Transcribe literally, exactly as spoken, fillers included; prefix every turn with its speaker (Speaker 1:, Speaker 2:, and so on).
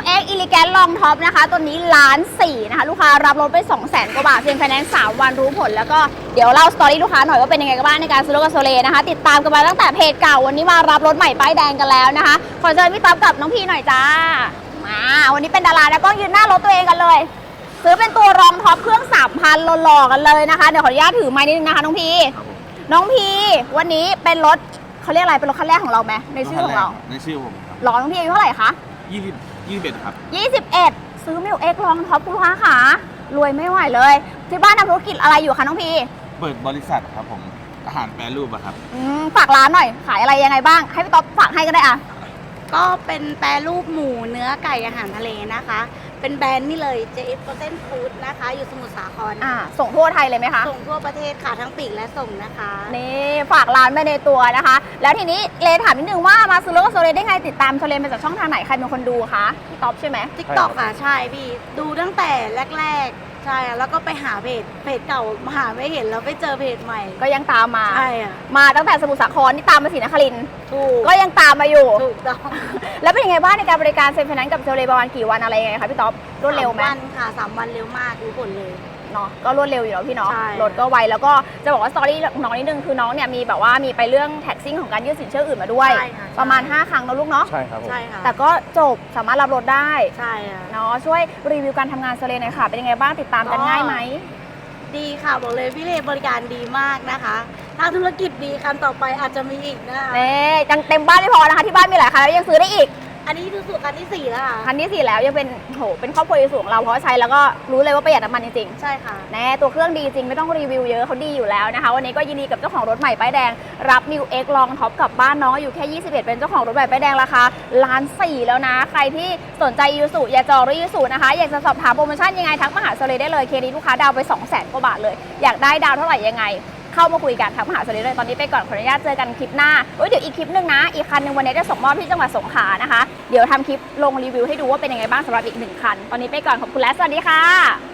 Speaker 1: เอ็กซ์ Elegant Long Top นะคะตัวนี้ล้านสี่นะคะลูกค้ารับรถไป สองแสน กว่าบาทเซ็นไฟแนนซ์สามวันรู้ผลแล้วก็เดี๋ยวเล่าสตอรี่ลูกค้าหน่อยว่าเป็นยังไงกันบ้างในการซื้อรถกับโซเลนะคะติดตามกันมาตั้งแต่เพจเก่าวันนี้มารับรถใหม่ป้ายแดงกันแล้วนะคะขอเชิญพี่ต๊อบกับน้องพีหน่อยจ้ามาวันนี้เป็นดาราแล้วก็ยืนหน้ารถตัวเองกันเลยซื้อเป็นตัวรองท็อปเครื่อง สามพัน หล่อๆกันเลยนะคะเดี๋ยวขออนุญาตถือไม้นิดนึงนะคะน้องพีน้องพีวันนี้เป็นรถเขาเรียกอะไรเป็นรถคันแรกของเราไหมในชื่อของเรา
Speaker 2: ในชื่อผมครับ
Speaker 1: หล่อน้องพีอายุเท่าไหร่คะ
Speaker 2: ยี่สิบ ยี่สิบเอ็ดครับ
Speaker 1: ยี่สิบเอ็ดซื้อมิวเอ็กลองท็อปคุณลูกค้าค่ะรวยไม่ไหวเลยที่บ้านทำธุรกิจอะไรอยู่คะน้องพี
Speaker 2: เปิดบริษัทครับผมอาหารแปรรูปอะครับ
Speaker 1: อืมฝากร้านหน่อยขายอะไรยังไงบ้างให้พี่ต๊อบฝากให้ก็ได้อะ
Speaker 3: ก็เป็นแปรรูปหมูเนื้อไก่อาหารทะเลนะคะเป็นแบรนด์นี่เลย เจ เอฟ Frozen Food นะคะอยู่สมุทรสาคร
Speaker 1: อ่าส่งทั่วไทยเลยไหมคะ
Speaker 3: ส่งทั่วประเทศค่ะทั้งปีกและส่งนะคะ
Speaker 1: นี่ฝากร้านไปในตัวนะคะแล้วทีนี้เลถามนิดนึงว่ามาซื้อรถกับโซเลได้ไงติดตามโซเลมาจากช่องทางไหนใครเป็นคนดูคะพี่ต๊อบใช่ไหม
Speaker 3: ติ๊กต็อก ค่ะใช่พี่ดูตั้งแต่แรกๆใช่แล้วก็ไปหาเพจเพจเก่าหาไม่เห็นแล้วไปเจอเพจใหม่
Speaker 1: ก็ยังตามมา
Speaker 3: ใช่อะ
Speaker 1: มาตั้งแต่สมุทรสาครนี่ตามมาศรีนครินทร์
Speaker 3: ถูก
Speaker 1: ก็ยังตามมาอยู่
Speaker 3: ถูกต้อง
Speaker 1: แล้วเป็นยังไงบ้างในการบริการเซ็นไฟแนนซ์กับโซเลประมาณกี่วันอะไรยังไงคะพี่ต๊อบรวดเร็วไหม
Speaker 3: สามวันค่ะสามวันเร็วมากรู้ผลเลย
Speaker 1: เนาะก็รวดเร็วอยู่แล้วพี่เนาะ
Speaker 3: ใช่
Speaker 1: รถก็ไวแล้วก็จะบอกว่าสตอรี่น้องนิดนึงคือน้องเนี่ยมีแบบว่ามีไปเรื่องแท็กซิ่งของการยื่นสินเชื่ออื่นมาด้วยประมาณห้าครั้งนะลูกเนาะ
Speaker 2: ใช่ครับ
Speaker 3: ใช่ค่ะ
Speaker 1: แต่ก็จบสามารถรับรถได้
Speaker 3: ใช่ค่ะ
Speaker 1: เนาะช่วยรีวิวการทำงานโซเลหน่อยค่ะเป็นยังไงบ้างติดตามกันง่ายไหม
Speaker 3: ดีค่ะบอกเลยพี่เลบริการดีมากนะคะถ้าธุรกิจดีคันต่อไปอาจจะมีอีกนะคะ
Speaker 1: เน่ยังเต็มบ้านไม่พอนะคะที่บ้านมีหลายคันแล้วยังซื้อได้อีก
Speaker 3: อันนี้คือสูตรคันที่สี่แล้วค่ะ
Speaker 1: คันที่สี่แล้วยังเป็นโหเป็นครอบครัวสูงเราเพราะใช้แล้วก็รู้เลยว่าประหยัดน้ำมันจริง
Speaker 3: ๆใช่ค่ะ
Speaker 1: แน่ตัวเครื่องดีจริงไม่ต้องรีวิวเยอะเขาดีอยู่แล้วนะคะวันนี้ก็ยินดีกับเจ้าของรถใหม่ป้ายแดงรับมิวเอ็กลองท็อปกลับบ้านน้องอยู่แค่ยี่สิบเอ็ดเป็นเจ้าของรถใหม่ป้ายแดงราคาล้านสี่แล้วนะใครที่สนใจยูสุอย่าจองรถยูสุนะคะอยากจะสอบถามโปรโมชั่นยังไงทักมาหาโซเลได้เลยเคนี้ลูกค้าดาวไป สองแสน กว่าบาทเลยอยากได้ดาวเท่าไหร่ยังไงเข้ามาคุยกันทักมาหาโซเลเลยตอนนี้ไปก่อนขออนุญาตเจอกันคลิปหน้าเอ้ยเดี๋ยวอีกคลิปนึงนะอีกคันนึงวันนี้จะส่งมอบที่จังหวัดสงขลานะคะเดี๋ยวทำคลิปลงรีวิวให้ดูว่าเป็นยังไงบ้างสำหรับอีกหนึ่งคันตอนนี้ไปก่อนขอบคุณและสวัสดีค่ะ